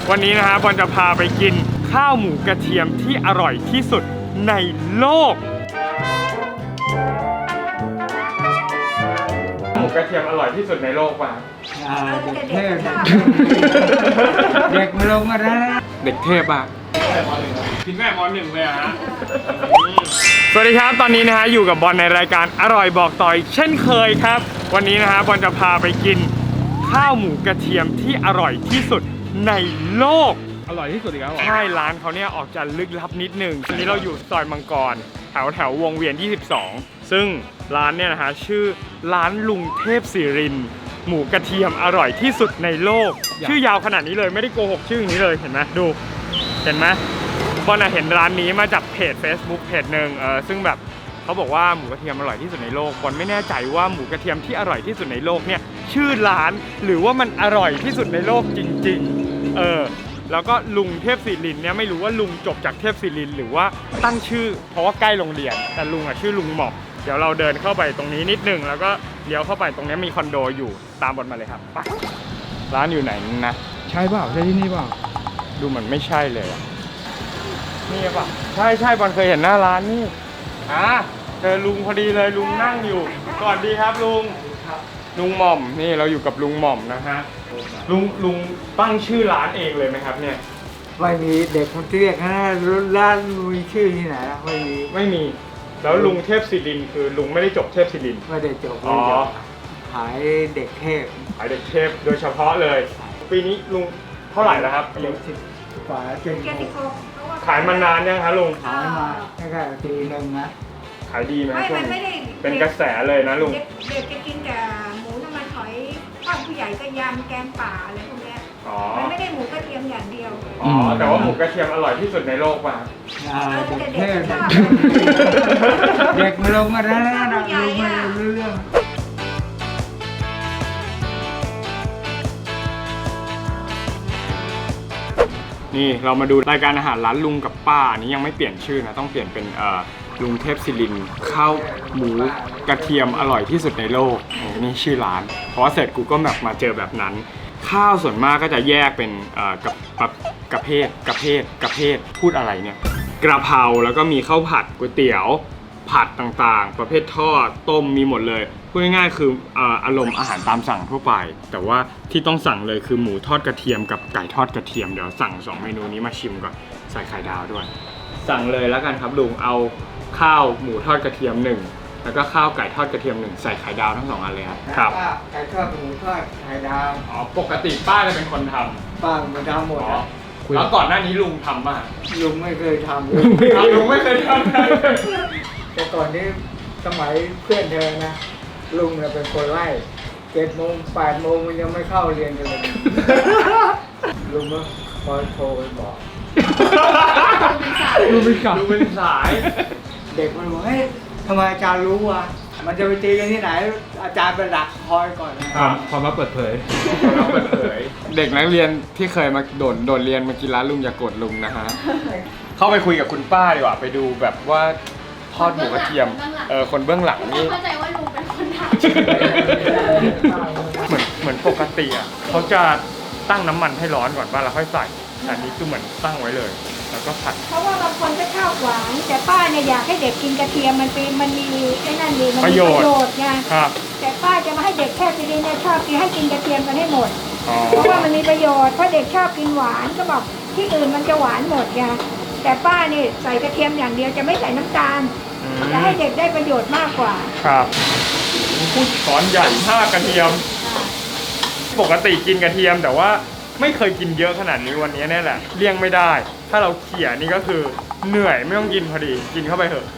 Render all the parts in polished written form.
วันนี้นะฮะบอลจะพาไปกินข้าวหมูกระเทียมที่อร่อยที่สุดในโลกหมูกระเทียมอร่อยที่สุดในโลกป่ะเด็กเทพเด็กมาลงมาแล้วเด็กเทพอ่ะกินแม่มอ1เลยฮะสวัสดีครับตอนนี้นะฮะอยู่กับบอลในรายการอร่อยบอกต่อยเช่นเคยครับวันนี้นะฮะบอลจะพาไปกินข้าวหมูกระเทียมที่อร่อยที่สุดในโลกอร่อยที่สุดอีกแล้วใช่ร้านเขาเนี่ยออกจะลึกลับนิดนึงทีนี้เราอยู่ซอยมังกรแถววงเวียน22ซึ่งร้านเนี่ยนะฮะชื่อร้านลุงเทพศิรินทร์หมูกระเทียมอร่อยที่สุดในโลกชื่อยาวขนาดนี้เลยไม่ได้โกหกชื่อนี้เลยเห็นไหมดูเห็นไหมบอลเห็นร้านนี้มาจากเพจ Facebook เพจหนึ่งซึ่งแบบเขาบอกว่าหมูกระเทียมอร่อยที่สุดในโลกบอลไม่แน่ใจว่าหมูกระเทียมที่อร่อยที่สุดในโลกเนี่ยชื่อร้านหรือว่ามันอร่อยที่สุดในโลกจริงๆแล้วก็ลุงเทพศิรินทร์เนี่ยไม่รู้ว่าลุงจบจากเทพศิรินทร์หรือว่าตั้งชื่อเพราะว่าใกล้โรงเรียนแต่ลุงชื่อลุงหม่อมเดี๋ยวเราเดินเข้าไปตรงนี้นิดนึงแล้วก็เลี้ยวเข้าไปตรงนี้มีคอนโดอยู่ตามบอลมาเลยครับไปร้านอยู่ไหนนะใช่เปล่าใช่ที่นี่เปล่าดูเหมือนไม่ใช่เลยนี่ป่ะใช่บอลเคยเห็นหน้าร้านนี่เจอลุงพอดีเลยลุงนั่งอยู่ก่อนดีครับลุงหม่อมนี่เราอยู่กับลุงหม่อมนะฮะลุงตั้งชื่อร้านเองเลยไหมครับเนี่ยไม่มีเด็กคนเรียกนะร้านมีชื่อที่ไหนนะไม่มีแล้วลุงเทพศิรินทร์คือลุงไม่ได้จบเทพศิรินทร์ไม่ได้จบขายเด็กเทพโดยเฉพาะเลยปีนี้ลุงเท่าไหร่แล้วครับ 70 กว่าขายมานานยังคะลุงขายมาแค่ปีนึงนะขายดีไหมช่วงเป็นกระแสเลยนะลุงเด็กจะกินแต่หมูน้ำมันหอยทอดผู้ใหญ่ก็ยำแกงป่าอะไรพวกนี้มันไม่ได้หมูกระเทียมอย่างเดียวแต่ว่าหมูกระเทียมอร่อยที่สุดในโลกป่ะเด็กเทพเด็กมาลงมาแล้วลุงไม่รู้เรื่องนี่เรามาดูรายการอาหารร้านลุงกับป้านี้ยังไม่เปลี่ยนชื่อนะต้องเปลี่ยนเป็นลุงเทพศิรินทร์ข้าวหมูกระเทียมอร่อยที่สุดในโลกนี่ชื่อร้านเพราะว่าเสร็จกูก็แบบมาเจอแบบนั้นข้าวส่วนมากก็จะแยกเป็นกระเพศพูดอะไรเนี่ยกระเพราแล้วก็มีข้าวผัดก๋วยเตี๋ยวผัดต่างๆประเภททอดต้มมีหมดเลยพูดง่ายๆคืออารมณ์อาหารตามสั่งทั่วไปแต่ว่าที่ต้องสั่งเลยคือหมูทอดกระเทียมกับไก่ทอดกระเทียมเดี๋ยวสั่ง2เมนูนี้มาชิมก่อนใส่ไข่ดาวด้วยสั่งเลยแล้วกันครับลุงเอาข้าวหมูทอดกระเทียม1แล้วก็ข้าวไก่ทอดกระเทียม1ใส่ไข่ดาวทั้ง2อันเลยครับไก่ทอดหมูทอดไข่ดาวปกติป้าจะเป็นคนทำป้ามันทำหมดแล้วก่อนหน้านี้ลุงทำป่ะลุงไม่เคยทำลุงไม่เคยทำแต่ก่อนนี้สมัยเพื่อนเธอนะลุงเนี่ยเป็นคนไล่7 โมง 8 โมงมันยังไม่เข้าเรียนกันเลยลุงก็คอยโทรไปบอกลุงเป็นสายเด็กมันบอกเฮ้ยทำไมอาจารย์รู้วะมันจะไปตีกันที่ไหนอาจารย์เป็นหลักคอยก่อนความลับเปิดเผยเด็กนักเรียนที่เคยมาโดดเรียนมากินร้านลุงอย่ากดลุงนะฮะเข้าไปคุยกับคุณป้าดีกว่าไปดูแบบว่าทอดหมูกระเทียมคนเบื้องหลังนี่เข้าใจว่าลุงเป็นคนทำเหมือนปกติอ่ะเขาจะตั้งน้ำมันให้ร้อนก่อนป่ะแล้วค่อยใส่แต่นี้คือเหมือนตั้งไว้เลยแล้วก็ผัดเพราะว่าบางคนก็ชอบหวานแต่ป้าเนี่ยอยากให้เด็กกินกระเทียมมันมีไอ้นั่นดีมันมีประโยชน์ไงแต่ป้าจะมาให้เด็กแค่ทีนี้เนี่ยชอบกินให้กินกระเทียมกันให้หมดเพราะว่ามันมีประโยชน์เพราะเด็กชอบกินหวานก็บอกที่อื่นมันจะหวานหมดไงแต่ป้านี่ใส่กระเทียมอย่างเดียวจะไม่ใส่น้ำตาลจะให้เด็กได้ประโยชน์มากกว่าครับพูดสอนใหญ่กระเทียมปกติกินกระเทียมแต่ว่าไม่เคยกินเยอะขนาดนี้วันนี้แน่แหละเลี่ยงไม่ได้ถ้าเราเขี่ยนี่ก็คือเหนื่อยไม่ต้องกินพอดีกินเข้าไปเถอะ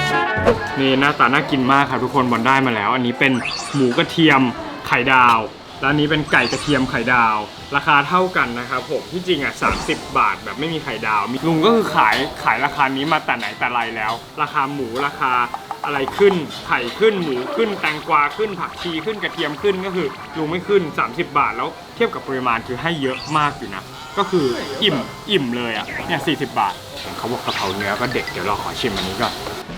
นี่หน้าตาน่ากินมากครับทุกคนบอลได้มาแล้วอันนี้เป็นหมูกระเทียมไข่ดาวร้านนี้เป็นไก่กระเทียมไข่ดาว ราคาเท่ากันนะครับผมที่จริงอ่ะ30 บาทแบบไม่มีไข่ดาวลุงก็คือขายราคานี้มาแต่ไหนแต่ไรแล้ว ราคาหมูราคาอะไรขึ้นไข่ขึ้นหมูขึ้นแตงกวาขึ้นผักชีขึ้นกระเทียมขึ้นก็คือลุงไม่ขึ้น30 บาทแล้วเทียบกับปริมาณคือให้เยอะมากอยู่นะก็คืออิ่มเลยอ่ะเนี่ย40 บาทเขาบอกกะเพราเนื้อก็เด็ดเดี๋ยวเราขอชิมอันนี้ก่อน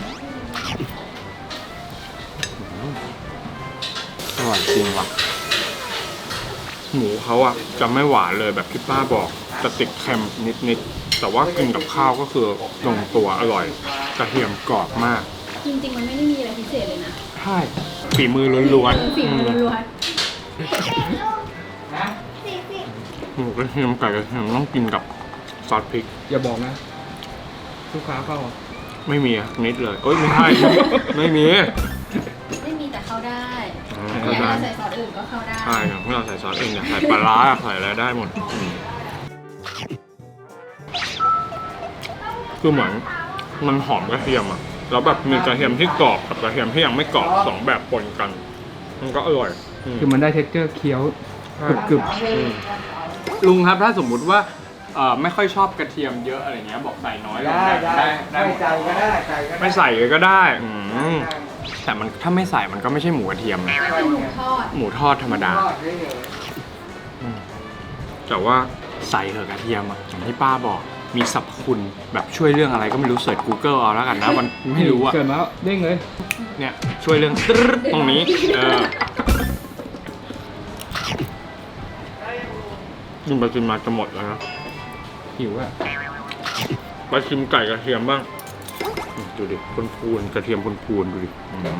อร่อยจริงว่ะหมูเขาอ่ะจะไม่หวานเลยแบบที่ป้าบอกจะติดเค็มนิดๆแต่ว่ากินกับข้าวก็คือลงตัวอร่อยกระเทียมกรอบมากจริงๆมันไม่ได้มีอะไรพิเศษเลยนะใช่ฝีมือล้วนๆฝีมือล้วนหมูกระเทียมไก่กระเทียมต้องกินกับซอสพริกอย่าบอกนะลูกค้าเข้าไม่มีนิดเลยเอ้ยไม่ใช่ ไม่มีๆไม่มีแต่เข้าได้เข้าอยากได้ใส่ซอสอื่นก็เข้าได้ใช่ครับเราใส่ซอสเองเนี่ยใส่ปลาร้าใส่อะไรได้หมดคือเหมือนมันหอมกระเทียมอ่ะแล้วแบบมีกระเทียมที่กรอบกับกระเทียมที่ยังไม่กรอบสองแบบปนกันมันก็อร่อยคือมันได้เท็กเจอร์เคี้ยวกรึบลุงครับถ้าสมมุติว่าไม่ค่อยชอบกระเทียมเยอะอะไรเงี้ยบอกใส่น้อยลงได้หมไม่ใส่ก็ได้ใส่ก็ได้ไม่ใส่เลยก็ได้แต่มันถ้าไม่ใส่มันก็ไม่ใช่หมูกระเทียมนะก็คือหมูทอดหมูทอดธรรมดาทอดเฉยแต่ว่าใส่เถอะกระเทียมอะอย่างที่ป้าบอกมีสรรพคุณแบบช่วยเรื่องอะไรก็ไม่รู้เสิร์ช Google เอาแล้วกันนะมันๆไม่รู้อะเกิดมาแล้วเด้งเลยเนี่ยช่วยเรื่องตรึ๊ดตรงนี้กินไปกินมาจะหมดแล้วนะหิวอ่ะไปชิมไก่กระเทียมบ้างดูดิพูนๆกระเทียมพูนๆดูดิ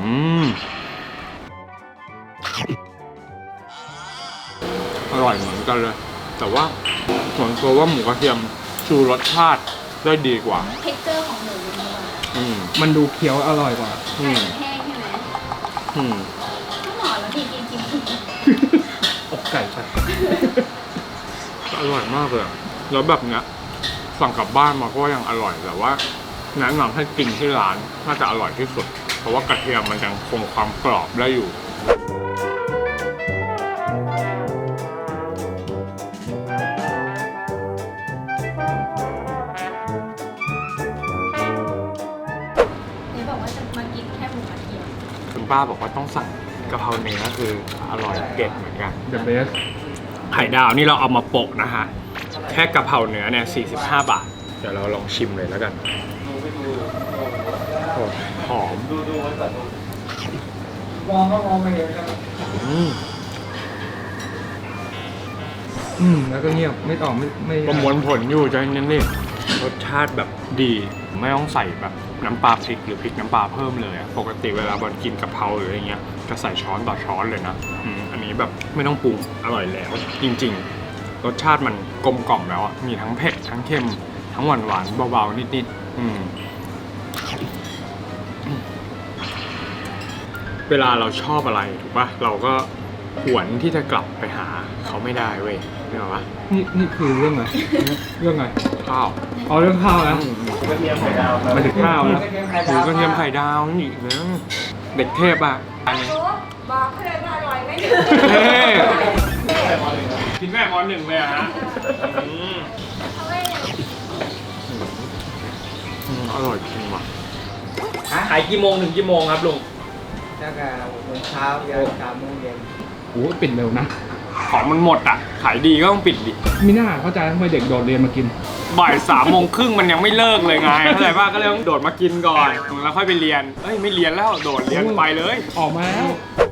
อร่อยเหมือนกันเลยแต่ว่าส่วนตัวว่าหมูกระเทียมชูรสชาติได้ดีกว่าเท็กเจอร์ของหมูมันมันดูเคี้ยวอร่อยกว่าไก่มันแห้งใช่ไหมก็หมอแล้วดีจริงๆอกไก่ไปอร่อยมากเลยแล้วแบบเนี้ยสั่งกลับบ้านมาก็ยังอร่อยแต่ว่าแนะนำให้กินที่ร้านน่าจะอร่อยที่สุดเพราะว่ากระเทียมมันยังคงความกรอบได้อยู่เนี่ยบอกว่าจะมากินแค่หมูกระเทียมคุณป้าบอกว่าต้องสั่งกะเพราเนื้อคืออร่อยเด็ดเหมือนกัน The best ไข่ดาวนี่เราเอามาโปะนะฮะแค่กะเพราเนื้อเนี่ย45 บาทเดี๋ยวเราลองชิมเลยแล้วกันโอ้หอมมองก็มองไม่เห็นครับแล้วก็เงียบไม่ตอบไม่ประมวลผลอยู่ใจเย็นนี่รสชาติแบบดีไม่ต้องใส่แบบน้ำปลาพริกหรือพริกน้ำปลาเพิ่มเลยอะปกติเวลาบอลกินกะเพราหรืออะไรเงี้ยจะใส่ช้อนต่อช้อนเลยนะอันนี้แบบไม่ต้องปรุงอร่อยแล้วจริงๆรสชาติมันกลมกล่อมแล้วอะมีทั้งเผ็ดทั้งเค็มทั้งหวานๆเบาๆนิดๆเวลาเราชอบอะไรถูกปะเราก็หวนที่จะกลับไปหาเขาไม่ได้เว้ยเห็นปะนี่คือเรื่องอะไรเรื่องอะไรข้าวเอาเรื่องข้าวนะกระเทียมไข่ดาวมาถึงข้าวนะหมูกระเทียมไข่ดาวนี่อีกนะเด็กเทพอ่ะอันนี้บอกเขาเลยว่าอร่อยไหมเท่กินแม่ม.1เลยอะฮะอร่อยจริงว่ะขายกี่โมงถึงกี่โมงครับลุงตั้งแต่6 โมงเช้ายัน3 โมงเย็นโอ้ปิดเร็วนะของมันหมดอ่ะขายดีก็ต้องปิดดิมีหน้าเข้าใจทำไมเด็กโดดเรียนมากินบ่าย3:30มันยังไม่เลิกเลยไงเข้าใจป่ะก็เลยต้องโดดมากินก่อนแล้วค่อยไปเรียนเอ้ยไม่เรียนแล้วโดดเรียนไปเลยออกมาแล้ว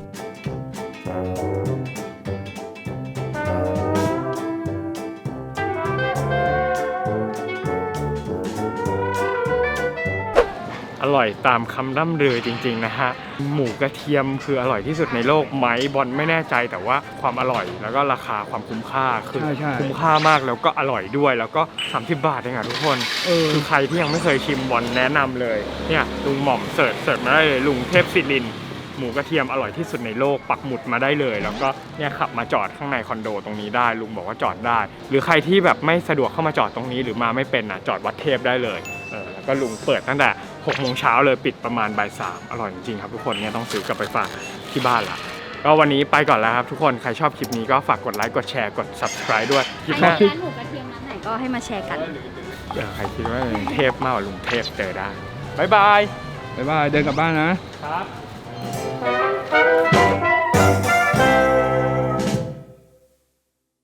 อร่อยตามคำร่ำลือจริงๆนะฮะหมูกระเทียมคืออร่อยที่สุดในโลกไหมบอลไม่แน่ใจแต่ว่าความอร่อยแล้วก็ราคาความคุ้มค่าคือใช่คุ้มค่ามากแล้วก็อร่อยด้วยแล้วก็30 บาทเองอะทุกคนคือใครที่ยังไม่เคยชิมบอลแนะนำเลยเนี่ยลุงหม่อมเสิร์ชมาได้เลยลุงเทพศิรินทร์หมูกระเทียมอร่อยที่สุดในโลกปักหมุดมาได้เลยแล้วก็เนี่ยขับมาจอดข้างในคอนโดตรงนี้ได้ลุงบอกว่าจอดได้หรือใครที่แบบไม่สะดวกเข้ามาจอดตรงนี้หรือมาไม่เป็นนะจอดวัดเทพได้เลยแล้วก็ลุงเปิดตั้งแต่6 โมงเช้าเลยปิดประมาณบ่าย 3อร่อยจริงๆครับทุกคนเนี่ยต้องซื้อกลับไปฝากที่บ้านละก็วันนี้ไปก่อนแล้วครับทุกคนใครชอบคลิปนี้ก็ฝากกดไลค์กดแชร์กด subscribe ด้วยคลิปหน้าร้านหมูกระเทียมร้านไหนก็ให้มาแชร์กันใครคิดว่าลุงเทพมากกว่าลุงเทพเจอได้บ๊ายบายบ๊ายบาย เดินกลับบ้านนะครับ